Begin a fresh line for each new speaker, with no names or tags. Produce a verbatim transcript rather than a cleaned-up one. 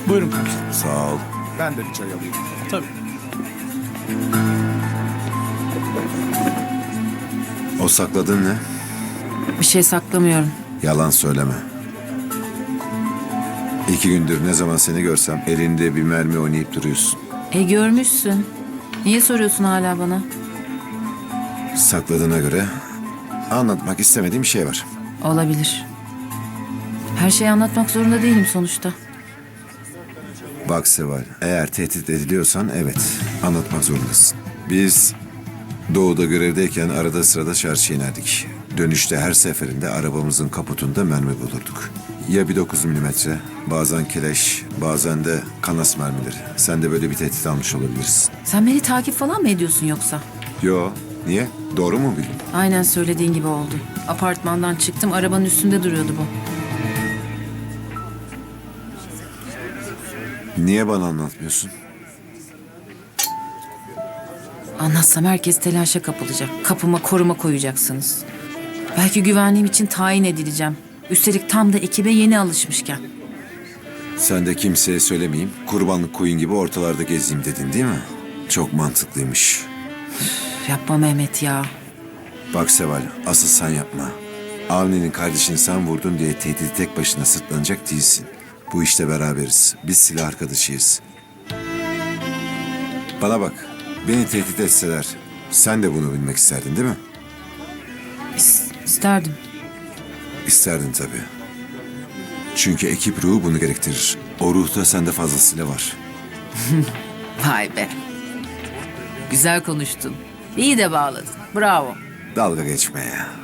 Buyurun komiserim.
Sağ ol.
Ben de bir çay alayım. Tabii.
O sakladın ne?
Bir şey saklamıyorum.
Yalan söyleme. İki gündür ne zaman seni görsem elinde bir mermi oynayıp duruyorsun.
E görmüşsün. Niye soruyorsun hala bana?
Sakladığına göre anlatmak istemediğim bir şey var.
Olabilir. Her şeyi anlatmak zorunda değilim sonuçta.
Bak Seval, eğer tehdit ediliyorsan evet, anlatmak zorundasın. Biz doğuda görevdeyken arada sırada çarşıya inerdik. Dönüşte her seferinde arabamızın kaputunda mermi bulurduk. Ya bir dokuz milimetre, bazen keleş, bazen de kanas mermileri. Sen de böyle bir tehdit almış olabilirsin.
Sen beni takip falan mı ediyorsun yoksa?
Yo, niye? Doğru mu bildin?
Aynen söylediğin gibi oldu. Apartmandan çıktım, arabanın üstünde duruyordu bu.
Niye bana anlatmıyorsun?
Anlatsam herkes telaşa kapılacak. Kapıma koruma koyacaksınız. Belki güvenliğim için tayin edileceğim. Üstelik tam da ekibe yeni alışmışken.
Sen de kimseye söylemeyeyim, kurbanlık koyun gibi ortalarda gezeyim dedin değil mi? Çok mantıklıymış.
Yapma Mehmet ya.
Bak Seval, asıl sen yapma. Avni'nin kardeşini sen vurdun diye tehdidi tek başına sırtlanacak değilsin. Bu işte beraberiz. Biz silah arkadaşıyız. Bana bak, beni tehdit etseler sen de bunu bilmek isterdin değil mi?
İs- isterdim.
İsterdin tabii. Çünkü ekip ruhu bunu gerektirir. O ruhta sende fazlasıyla var.
Vay be. Güzel konuştun. İyi de bağladın. Bravo.
Dalga geçme ya.